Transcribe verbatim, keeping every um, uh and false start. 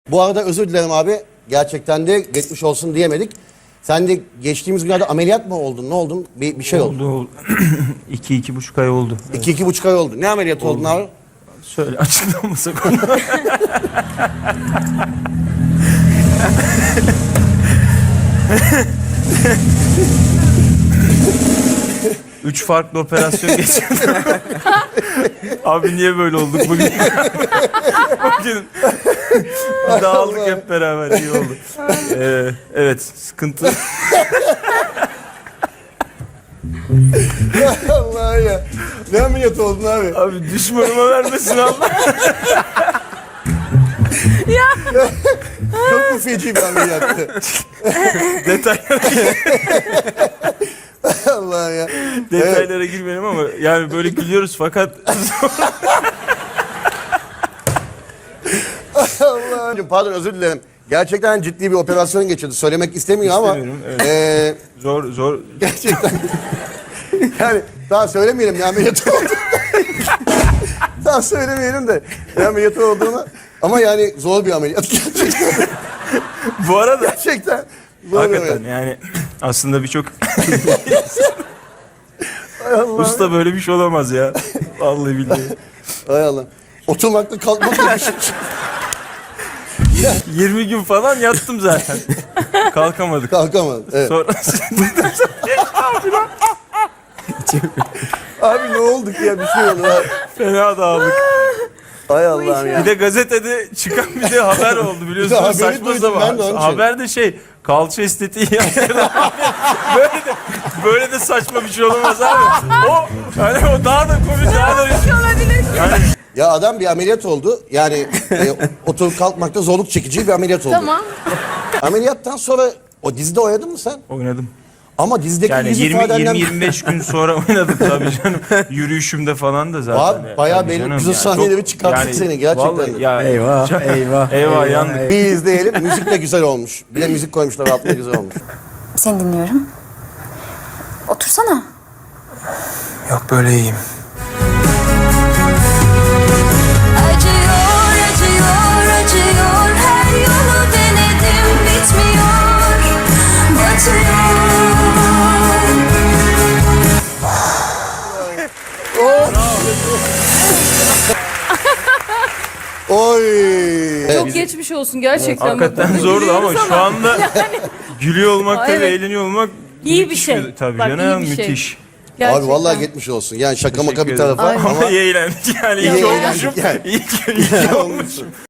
Bu arada özür dilerim abi. Gerçekten de geçmiş olsun diyemedik. Sen de geçtiğimiz günlerde ameliyat mı oldun? Ne oldun? Bir, bir şey oldu. Oldu. iki, iki buçuk ay oldu. Evet. İki, iki buçuk ay oldu. Ne ameliyat oldun abi? Söyle açıklamasak onu. Üç farklı operasyon geçirdim. Abi niye böyle olduk bugün? Bugün dağıldık hep beraber, iyi oldu. Ee, evet, sıkıntı. Allah ya. Ne ameliyat oldun abi? Abi düşmanıma vermesin Allah. Çok mu feci bir ameliyattı? Detaylara, Allah ya. detaylara girmeyelim ama yani böyle gülüyoruz fakat Allah. Pardon, özür dilerim. Gerçekten ciddi bir operasyon geçirdi. Söylemek istemiyor ama. İstemiyorum, evet. eee, zor zor. gerçekten. Yani daha söylemeyelim ne ameliyatı oldu. Daha söylemeyelim de ne ameliyatı olduğunu. Ama yani zor bir ameliyat gerçekten. Bu arada Gerçekten. Zor bir hakikaten ameliyat. yani aslında birçok Ay Allah. usta böyle bir şey olamaz ya. Vallahi billahi. Hay Allah. Oturmakta kalkmakta bir şey. yirmi gün falan yattım zaten. Kalkamadık. Kalkamadım. Evet. Sonra Abi ne olduk ya, bir şey oldu. Ha. fena dağıldık. Hay Allah'ım ya. Bir de gazetede çıkan bir de haber oldu biliyorsunuz. haberi Saçma duydum ben de onun sapan. için. Haber de şey, kalça estetiği yaptırdı. böyle de böyle de saçma bir şey olamaz abi. O hani o daha da komik, daha da yani Ya adam bir ameliyat oldu. Yani e, oturup kalkmakta zorluk çekici bir ameliyat oldu. Tamam. Ameliyattan sonra o dizide oynadın mı sen? oynadım. Ama dizideki Yani yüz yirmi ifadenden... yirmi beş gün sonra oynadık tabii canım. Yürüyüşümde falan da zaten. Abi, bayağı Tabii belli canım, güzel yani sahneleri çok- çıkarttık seni gerçekten. Vallahi ya, Eyvah, eyvah. Eyvah, yandık. Bir izleyelim. Müzik de güzel olmuş. Bir de müzik koymuşlar altına, güzel olmuş. Seni dinliyorum. Otursana. Yok böyle iyiyim. Acıyor, acıyor, acıyor. Her yolu denedim, bitmiyor. Batıyor. Oy. Çok geçmiş olsun gerçekten. Hakikaten Bak, zordu ama gülüyoruz şu anda gülüyor olmak Aa, tabii, evet. eğleniyor olmak İyi bir müthiş şey. Tabii Bak, canım, iyi bir şey. müthiş. Gerçekten. Abi vallahi geçmiş olsun. Yani şaka maka bir Teşekkür ederim. tarafa Ama ama iyi eğlendik yani. İyi İyi eğlendik olmuşum. yani. İyi, iyi olmuşum.